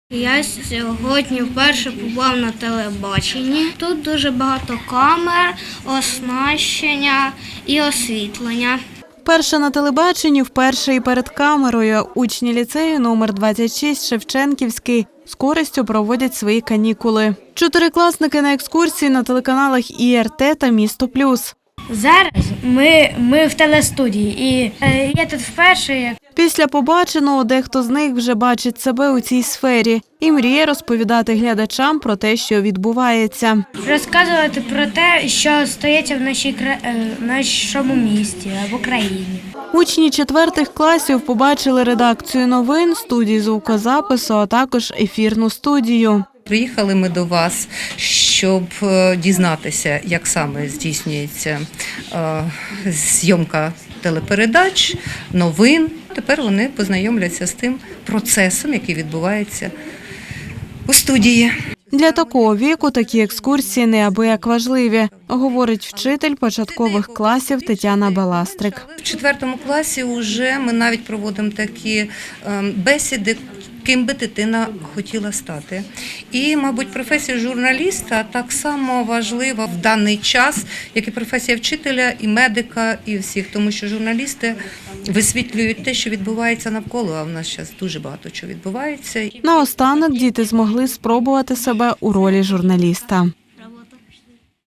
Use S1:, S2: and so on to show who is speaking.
S1: Я сьогодні вперше побував на телебаченні. Тут дуже багато камер, оснащення і освітлення.
S2: Вперше на телебаченні, вперше і перед камерою. Учні ліцею номер 26 Шевченківський з користю проводять свої канікули. Чотирикласники на екскурсії на телеканалах ІРТ та Місто Плюс.
S1: Зараз ми в телестудії і я тут вперше.
S2: Після побаченого дехто з них вже бачить себе у цій сфері і мріє розповідати глядачам про те, що відбувається.
S1: Розказувати про те, що стається в нашому місті або країні.
S2: Учні 4 класів побачили редакцію новин, студії звукозапису, а також ефірну студію.
S3: Приїхали ми до вас, щоб дізнатися, як саме здійснюється зйомка телепередач, новин. Тепер вони познайомляться з тим процесом, який відбувається у студії.
S2: Для такого віку такі екскурсії неабияк важливі, говорить вчитель початкових класів Тетяна Баластрик.
S3: В 4 класі вже ми навіть проводимо такі бесіди, ким би дитина хотіла стати. І, мабуть, професія журналіста так само важлива в даний час, як і професія вчителя, і медика, і всіх. Тому що журналісти висвітлюють те, що відбувається навколо, а в нас зараз дуже багато чого відбувається.
S2: Наостанок діти змогли спробувати себе у ролі журналіста.